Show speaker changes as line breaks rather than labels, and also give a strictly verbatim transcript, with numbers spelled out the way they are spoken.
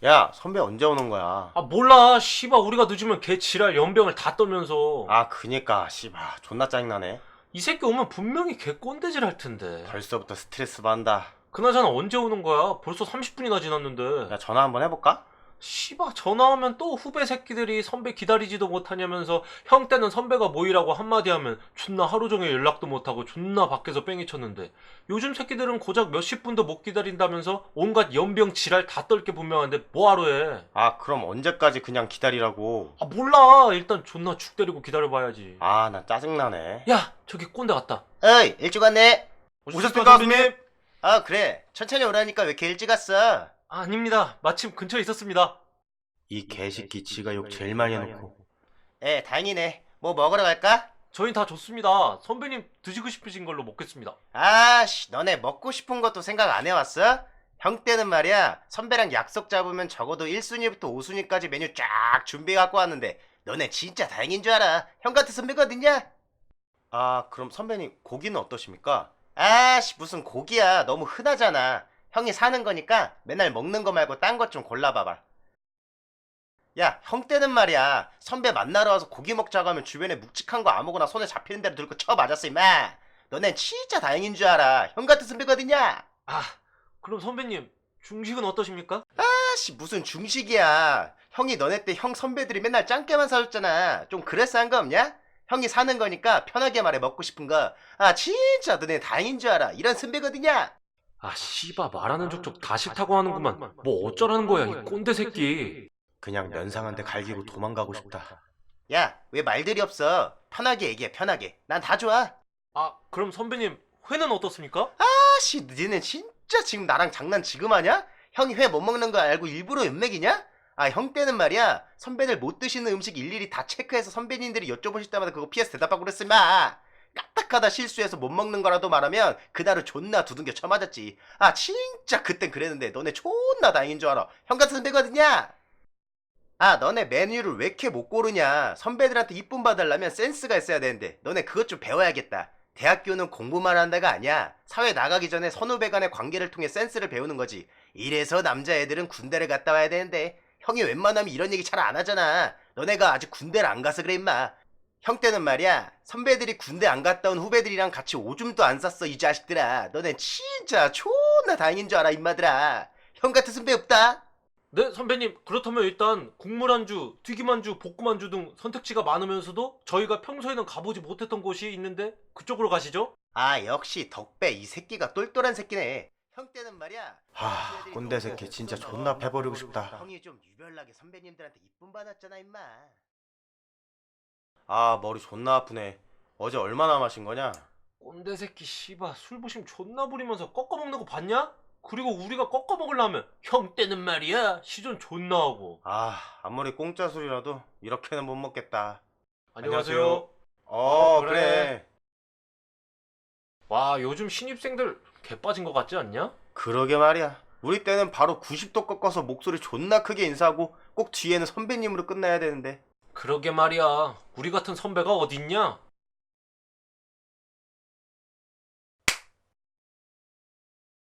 야, 선배 언제 오는 거야?
아 몰라 씨발 우리가 늦으면 걔 지랄 연병을 다 떨면서
아, 그니까 씨발 존나 짜증나네.
이 새끼 오면 분명히 걔 꼰대질 할 텐데.
벌써부터 스트레스 받는다.
그나저나 언제 오는 거야? 벌써 삼십 분이나 지났는데.
야, 전화 한번 해볼까?
씨발 전화하면 또 후배 새끼들이 선배 기다리지도 못하냐면서 형 때는 선배가 모이라고 한마디 하면 존나 하루 종일 연락도 못하고 존나 밖에서 뺑이 쳤는데 요즘 새끼들은 고작 몇십 분도 못 기다린다면서 온갖 연병 지랄 다 떨게 분명한데 뭐하러 해.
아, 그럼 언제까지 그냥 기다리라고?
아 몰라 일단 존나 죽 때리고 기다려봐야지.
아, 나 짜증나네.
야 저기 꼰대 왔다.
어이, 일찍 왔네.
오셨습니까, 선배님?
아, 그래. 천천히 오라니까 왜 이렇게 일찍 왔어?
아, 아닙니다. 마침 근처에 있었습니다.
이 개새끼 지가 욕 제일 많이 해놓고.
에, 다행이네. 뭐 먹으러 갈까?
저희 다 좋습니다. 선배님 드시고 싶으신 걸로 먹겠습니다.
아씨, 너네 먹고 싶은 것도 생각 안 해왔어? 형 때는 말이야, 선배랑 약속 잡으면 적어도 일 순위부터 오 순위까지 메뉴 쫙 준비해갖고 왔는데 너네 진짜 다행인 줄 알아. 형 같은 선배가 어딨냐?
아, 그럼 선배님 고기는 어떠십니까?
아씨, 무슨 고기야. 너무 흔하잖아. 형이 사는 거니까 맨날 먹는 거 말고 딴 것 좀 골라봐봐. 야, 형 때는 말이야, 선배 만나러 와서 고기 먹자고 하면 주변에 묵직한 거 아무거나 손에 잡히는 대로 들고 쳐 맞았어 임마. 너넨 진짜 다행인 줄 알아. 형 같은 선배가 어딨냐?
아, 그럼 선배님 중식은 어떠십니까?
아씨, 무슨 중식이야. 형이 너네 때 형 선배들이 맨날 짱깨만 사줬잖아. 좀 그래서 한 거 없냐? 형이 사는 거니까 편하게 말해. 먹고 싶은 거. 아 진짜 너네 다행인 줄 알아. 이런 선배가 어딨냐?
아, 씨바 말하는 족족 다 싫다고 하는구만. 뭐 어쩌라는 거야, 이 꼰대 새끼.
그냥 면상한테 갈기고 도망가고 싶다.
야, 왜 말들이 없어? 편하게 얘기해, 편하게. 난 다 좋아.
아, 그럼 선배님 회는 어떻습니까?
아씨, 니네 진짜 지금 나랑 장난 지금 하냐? 형이 회 못 먹는 거 알고 일부러 연맥이냐? 아, 형 때는 말이야, 선배들 못 드시는 음식 일일이 다 체크해서 선배님들이 여쭤보실 때마다 그거 피해서 대답하고 그랬어 마. 까딱하다 실수해서 못 먹는 거라도 말하면 그날은 존나 두둥겨 쳐맞았지. 아 진짜 그땐 그랬는데 너네 존나 다행인 줄 알아. 형 같은 선배거든요. 아, 너네 메뉴를 왜 이렇게 못 고르냐? 선배들한테 이쁨 받으려면 센스가 있어야 되는데 너네 그것 좀 배워야겠다. 대학교는 공부만 한다가 아니야. 사회 나가기 전에 선후배 간의 관계를 통해 센스를 배우는 거지. 이래서 남자애들은 군대를 갔다 와야 되는데 형이 웬만하면 이런 얘기 잘 안 하잖아. 너네가 아직 군대를 안 가서 그래 임마. 형 때는 말이야, 선배들이 군대 안 갔다 온 후배들이랑 같이 오줌도 안 쌌어 이 자식들아. 너넨 진짜 존나 다행인 줄 알아 임마들아. 형 같은 선배 없다.
네, 선배님. 그렇다면 일단 국물 안주, 튀김 안주, 볶음 안주 등 선택지가 많으면서도 저희가 평소에는 가보지 못했던 곳이 있는데 그쪽으로 가시죠.
아, 역시 덕배 이 새끼가 똘똘한 새끼네. 형 때는 말이야,
하, 꼰대 새끼 진짜 존나 패버리고 싶다.
형이 좀 유별나게 선배님들한테 이쁨 받았잖아 임마.
아, 머리 존나 아프네. 어제 얼마나 마신 거냐?
꼰대 새끼 씨바 술 부심 존나 부리면서 꺾어 먹는 거 봤냐? 그리고 우리가 꺾어 먹으려면 형 때는 말이야 시전 존나 하고.
아, 아무리 공짜 술이라도 이렇게는 못 먹겠다.
안녕하세요.
어,
그래.
그래.
와, 요즘 신입생들 개 빠진 거 같지 않냐?
그러게 말이야. 우리 때는 바로 구십 도 꺾어서 목소리 존나 크게 인사하고 꼭 뒤에는 선배님으로 끝나야 되는데.
그러게 말이야. 우리 같은 선배가 어딨냐?